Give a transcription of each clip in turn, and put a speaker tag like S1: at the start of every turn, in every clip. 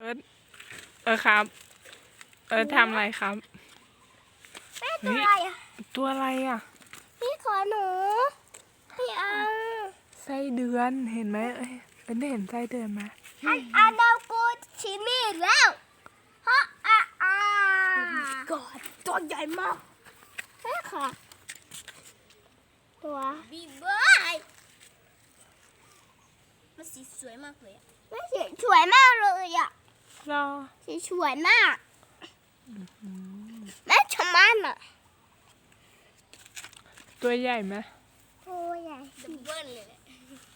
S1: ครับทำอะไรครับ
S2: แม่ตัวอะไรอ่ะ
S1: ตัวอะไรอ่ะ
S2: พี่ขอหนูพี่เอา
S1: ไส้เดือนเห็นไหมได้เห็นไส้เดือนไหม
S2: อันเอากูชิมี่แล้วฮะกอดตัวใหญ่มากใช่ค่ะตัวบีบอยมันสีสวยมากเลยอ่ะมันสีสวยมากเลยอ่ะ
S1: รอ
S2: สีสวยมากแม่ชะมันอ่ะ
S1: ตัวใหญ่ไหม
S2: ตัวใหญ่ดับเบิ้ลเลยแหละ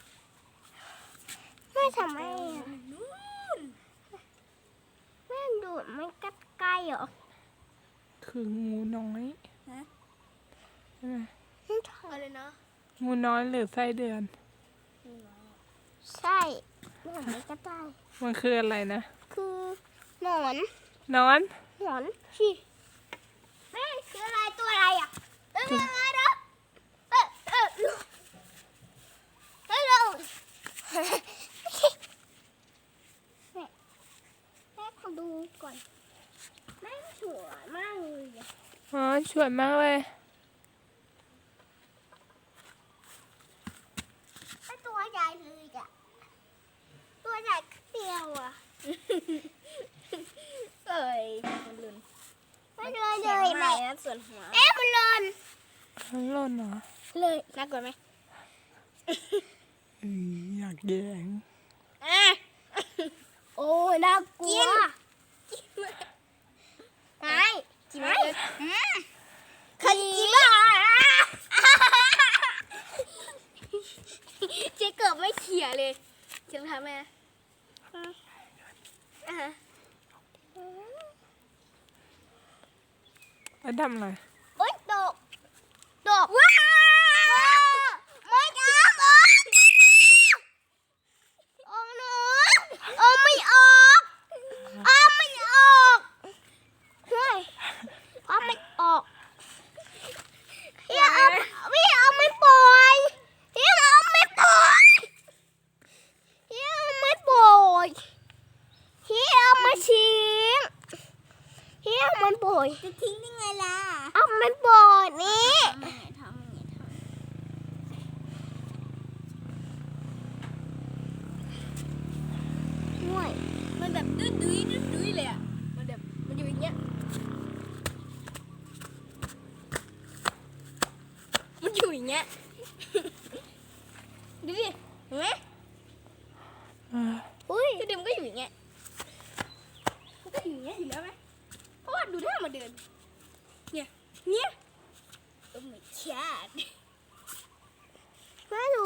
S2: แม่ทำไมอ่ะแม่ดูดไม่กัดใกล้เหรอ
S1: คืองูน้อยใช่ไหม
S2: อะไรนะ
S1: งูน้อยหรือไส้เดือน
S2: ใช่แม่ไม่กัดได้
S1: มันคืออะไรนะ
S2: คือหนอน
S1: นอน
S2: สิแม่คืออะไรตัวอะไรอ่ะเป็นอะไรนะฮัลโหลแม่ขอดูก่อนแม่สวยมากเลย
S1: สวยมากเลย
S2: ตัวใหญ่เลยอ่ะตัวใหญ่เดียวอ่ะ
S3: มันเลือน
S2: ไม่เลยเลยแม่
S3: ส่วนหัว
S2: มันเลิน
S1: มันหล่นเหรอ
S3: เลยน่ากลัวไหม
S1: อยากแย่ง
S2: โอ้ยน่ากลัวไม่
S3: กินไหม
S2: ขันกินอ่ะ
S3: เจ๊เกือบไม่เขี่ยเลยเจ๊ทำไหม
S1: แล้วทำอะไร
S2: โอ๊ยตกว้าไม่ออกออกหนูออกไม่ออกไม่ออกเฮ้ยไม่ออกพี่เอาไม่ปล่อยพี่เอาไม่ปล่อยพี่เอาไม่ปล่อยพี่เอามาทิ้งพี่เอามันปล่อย
S3: จะทิ้งได้ไงล่ะ
S2: เอามันปล่อยนี่ห่วย
S3: มันแบบดื้อเลยอ่ะมันแบบมันอยู่อย่างเงี้ยมันอยู่อย่างเงี้ยดูดิเห็นไหม
S2: อุ้ย
S3: คือเดิมก็อยู่อย่างเงี้ยมันก็อยู่อย่างเงี้ยอยู่แล้วไหมเพราะว่าดูท่ามาเดินเนี่ยโอ้ my god
S2: แม่ดู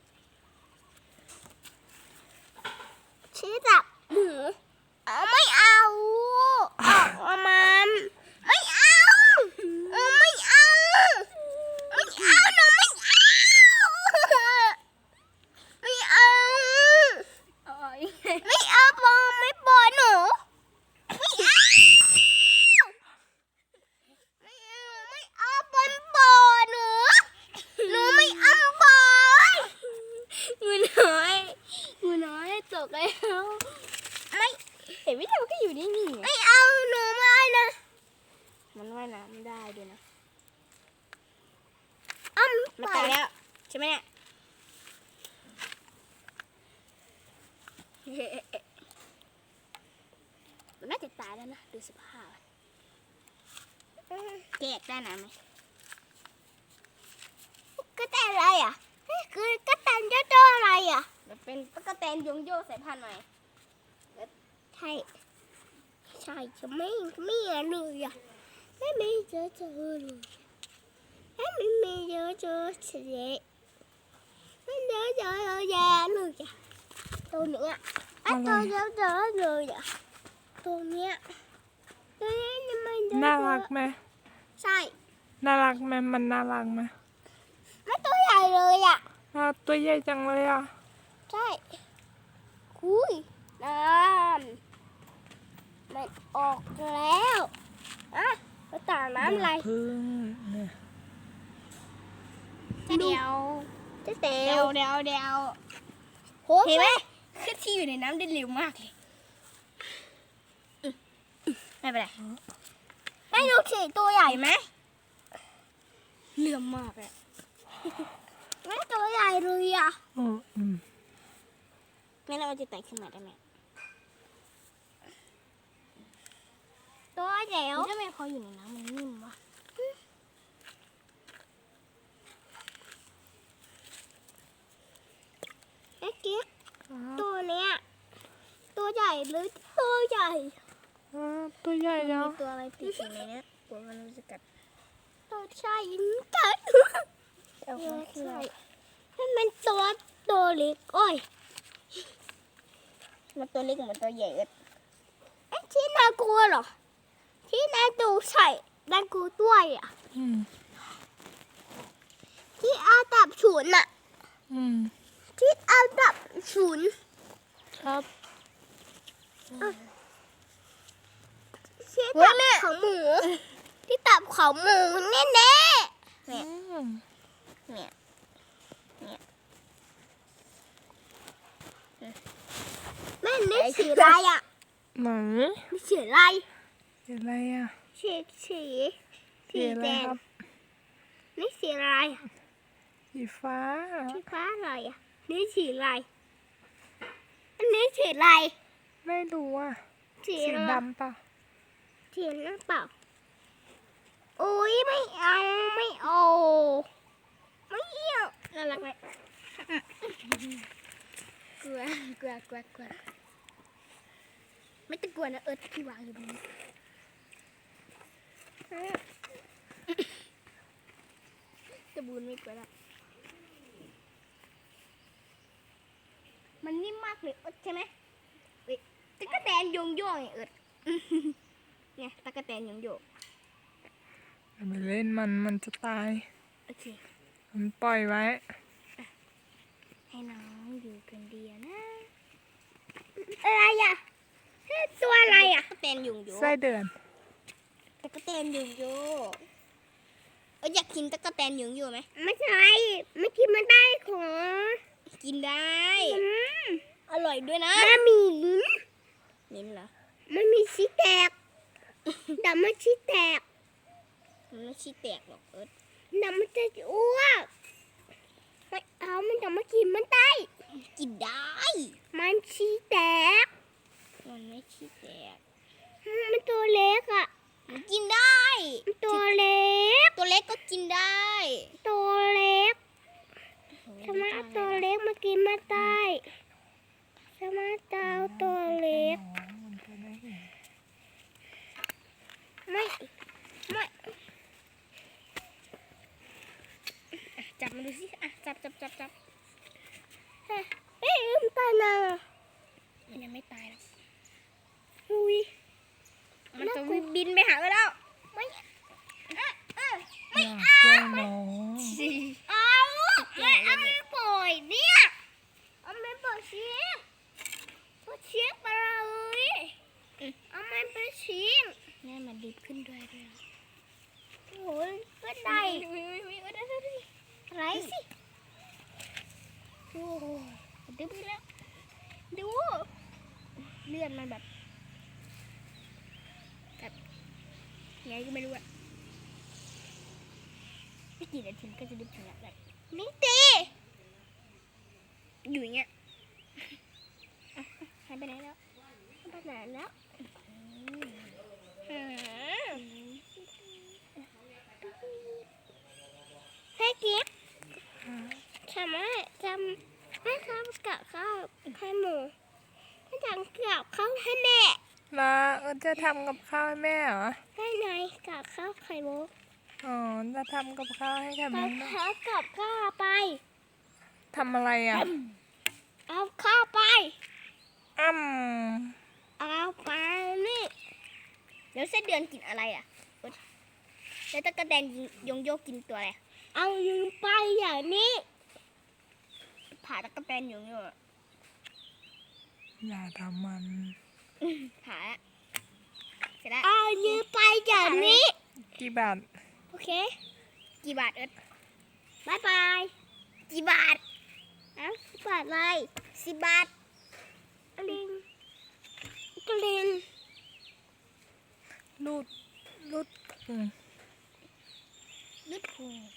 S2: ชี้จับหมูไม่เอามันไม่เอาไม่เอาหนูไม่เอาไม่เอาไม่ปล่อยหนูไม่เอาปล่อยหนูไม่เอาปล่อย
S3: งูน้อยตกแล้ว
S2: ไม่
S3: เห็นไหมเนี่ยมันก็อยู่นิ่งๆ
S2: ไม่เอาหนูไม่นะ
S3: มันว่ายน้ำได้ด้วยนะ
S2: มัน
S3: ตายแล้วใช่ไหมเนี่ยมันน่าจะตายแล้วนะดูสภาพแกะได้น้ำไหม
S2: ก็แต่อะไรอ่ะคือก็แต่เจ้าอะไรอ่ะ
S3: มันเป็นตะกั่วแตนยงโยสายพันธุ์ใหม่
S2: ใช่จะไม่เลยอ่ะไม่เจอเลยไม่เจอเสียไม่เจอแย่เลยอ่ะตัวเนี้ยตัวเจอเลยอ่ะตัวเนี้ย
S1: น่ารักไหม
S2: ใช่
S1: น่ารักไหมมันน่ารักไหม
S2: ไม่ตัวใหญ่เลยอ่ะ
S1: ตัวใหญ่จังเลยอ่ะ
S2: ใช่คุยน้ำมันออกแล้วไปต่างน้ำอะไร
S1: พึ่งเนี่ย
S3: เดี๋ยวเห็นไหมคือที่อยู่ในน้ำได้เร็วมากเลย
S2: ไม่เป็นไรไม่ดูสิตัวใหญ่ไหม
S3: เหลื่อมมากเลย
S2: ไม่ตัวใหญ่เลยอ่ะ
S3: แม่เราจะไต่ขึ้นมาได้ไหม
S2: ตัวใหญ่
S3: แล้วทำไมพออยู่ในน้ำมันนิ่มวะ
S2: ไอ้กิ๊กตัวเนี้ยตัวใหญ่หรือตัวใหญ่
S1: ตัวใหญ่แล้ว
S3: มีตัวอะไรติดอยู่ในนี้กลัวมันจะกัด
S2: ตัวใช่กัด
S3: เอา
S2: ใช่ให้มันตัวเล็กโอ้ย
S3: มันตัวเล็กเหมือนตัวใหญ่เอิด
S2: ไอ้ที่น่ากลัวเหรอที่น่าดูใส่น่ากลัวด้วยอ่ะที่เอาดับฉุนอ่ะที่เอาดับฉุน
S1: ครับ
S2: ที่ตับของหมูที่ตับของหมูแน่ๆ
S3: เนี่ย
S2: แม่นี่สีอะไรอ่ะ
S1: ไหน
S2: นี่สีอะไร
S1: สีอะไรอ่ะ
S2: สีสี
S1: สีอะไร
S2: แดง
S1: ครับ
S2: นี่สีอะไรอ่ะ
S1: สีฟ้า
S2: สีฟ้าอะไรอ่ะนี่สีอะไรอันนี้สีอะไร
S1: ไม่รู้อ่ะ
S2: สี
S1: สี
S2: อะไร
S1: ดำป่ะ
S2: สีน้ำเปล่าโอ้ยไม่เอาไม่เอาไม่เอา
S3: น่ารักไหมกลัวไม่ต้องกลัวนะเอิร์ธที่วางอยู่ตรงนี้จะบูนไม่กลัวละมันนิ่มมากเลยเอิร์ธใช่ไหมเฮ้ยตะกะแตนโยงโย่ไงเอิร์ธเนี่ยตะกะแตนโยงโย่
S1: อย่าไปเล่นมันจะตาย
S3: โอเค
S1: มันปล่อยไว้
S3: ให้น้องอยู่คนเดียวนะ
S2: อะไรอ่ะตัวอะไรอ่ะ
S3: ตะกะแตนโยงโย่
S1: ไส้เดือน
S3: ตะกะแตนโยงโย่อยากกินตะกะแตนโยงโย่ไหม
S2: ไม่ใช่ไม่กินมันได้ของ
S3: กินได้ อร่อยด้วยนะ
S2: มันมีลิ้น
S3: นิ้นเหรอ
S2: มันมีชีแตกแต่มันชีแตก
S3: มันไม่ชี้แตกหรอกเอิร์ธ
S2: แต่มันจะอ้วกไม่เอามันจะมากินมันได้
S3: กินได้
S2: มันชีแตก
S3: มันไม่ชี้แตก
S2: มันตัวเล็กอ่ะ
S3: มันกินได้
S2: มันตัวเล็ก
S3: ตัวเล็กก็กินได้
S2: ตัวเล็กทำไมเอาตัวเล็กมากินมาได้ทำไมเอาตัวเล็กไม่
S3: จับมันดูสิอ่ะจับ
S2: เอ๊ะมันตายนะ
S3: มันยังไม่ตายหรอก
S2: อุ้ย
S3: มันจะบินไปหาเราแล้ว
S2: ไม่
S1: อยากแกล้งน้อง
S2: เอาไม่เอาไม่ปล่อยเนี่ยเอาไม่ปล่อยชิมปล่อยชิมไปเลยเอาไม่ปล่อยชิม
S3: แม่มันดิบขึ้นด้วย
S2: โอ้ยก็ได้
S3: อะไรสิโอ้โหดิบขึ้นแล้วดูเลือดมันแบบไงก็ไม่รู้อะไม่กี่นาทีก็จะดิบถึงแล้ว
S2: นี่ตี
S3: อยู่อย่างเงี้ยหายไปไหนแล้ว
S2: ไปไหนแล้ว ให้กิ๊บทำให้ข้าวกับข้าวให้หมูให้ทำกับข้าวให้แม่
S1: แล้วจะทำกับข้าวให้แม่เหรอ
S2: ให้นายกับข้าวไข่มุก
S1: อ๋อ จะทำกับข้าวให้กับ
S2: กั
S1: แม่
S2: บ
S1: ด้วย
S2: ข้าวกับข้าวไป
S1: ทำอะไรอ่ะ
S2: เอาข้าวไป
S1: อ้ำ
S2: เอาไปนี่
S3: แล้วเส้นเดือนกินอะไรอ่ะแล้วตะกะแตนยงโยกกินตัวอะไร
S2: เอายืมไปอย่างนี้
S3: ผ่าตะกะแตนยงโยก
S1: อย่าทำมัน
S3: ผ่าอะเสร็จแล้ว
S2: เอายืมไปอย่างนี้
S1: กี่บาท
S2: โอเค
S3: กี่บาทเอิร์ธ
S2: บายบาย
S3: กี่บาท
S2: เอ้าบาทอะไร
S3: 10 บาท
S2: กลินกลิน
S1: รูดพุง
S3: ลึกพุง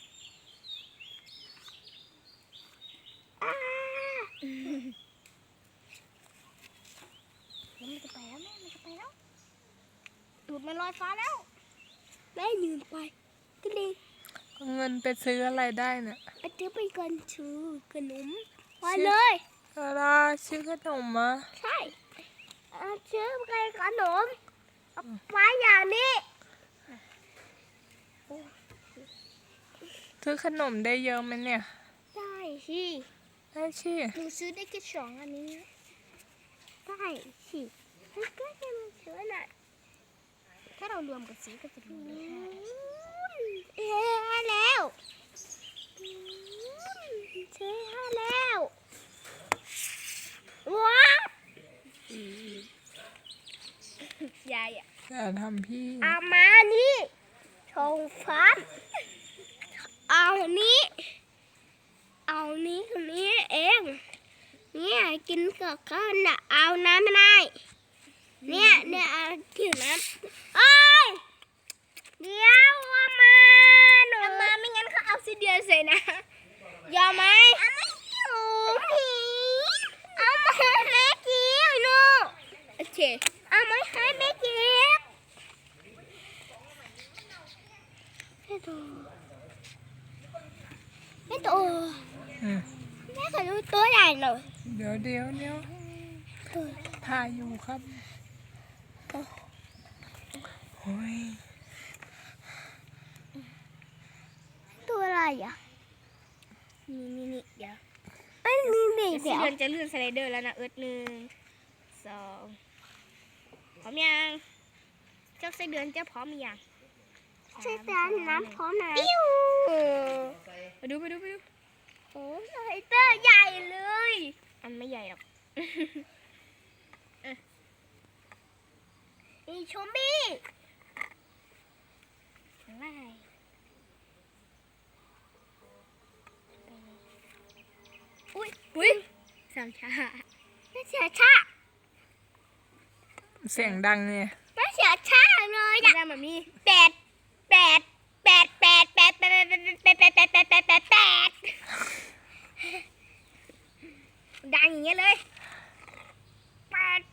S3: มันจะไปแล้วแม่มันจะไปแล้วตูดมันลอยฟ้าแล้วแม่ยืนไปก็เลย
S1: เอาเงินไปซื้ออะไรได้เนี่ย
S3: ไปซื้อไปกันชื่อขนมไปเลย
S1: อะไรซื้อขนมมา
S3: ใช่ซื้อไปขนมเอาไว้อย่างนี้
S1: ซื้อขนมได้เยอะไหมเนี่ย
S3: ได้สิ
S1: ได้ชิ
S3: หนูซื้อได้แค่2 อันนี้ได้สิมันก็จะมาซื้อน่ะถ้าเรารวมกับซื้อก็จะรวมได้5แล้วซื้อ5แล้วว้าวยายอ่ะ
S1: อย่าทำพี่
S3: เอามานี่ชงฟ้าเอานี้คนนี้เองเนี่ยกินกับข้าวน่ะเอาน้ำไม่ได้เนี่ยเอากินน้ำเอ้ยเดี๋ยวเอามาหนูเอามาไม่งั้นเขาเอาซีเดียใส่นะยอมไหมเอาไม่อยู่เอามาให้แม่กินหนูโอเคเอามาให้แม่กินไม่โต
S1: อืม
S3: แม่ขอดูตัวใหญ่หน่อย
S1: เดี๋ยวถ่ายอยู่ครับโอ้ย
S3: ตัวอะไรอ่ะนี่เดี๋ยวเอ้ยนี่เดี๋ยวจะเลื่อนสไลเดอร์แล้วนะ1 2พร้อมยังเจ้าไส้เดือนเจ้าพร้อมยังไส้เดือนน้ำพร้อมนะปิ้วไปดูโอ้สไลเดอร์ใหญ่เลยอันไม่ใหญ่หรอกนี่ชมบี้อะไรอุ้ยสามชาไม่เสียชา
S1: เสียงดังเนี่ย
S3: ไม่เสียชาเลยอะแบบนี้แปดดังอย่างเงี้ยเลย8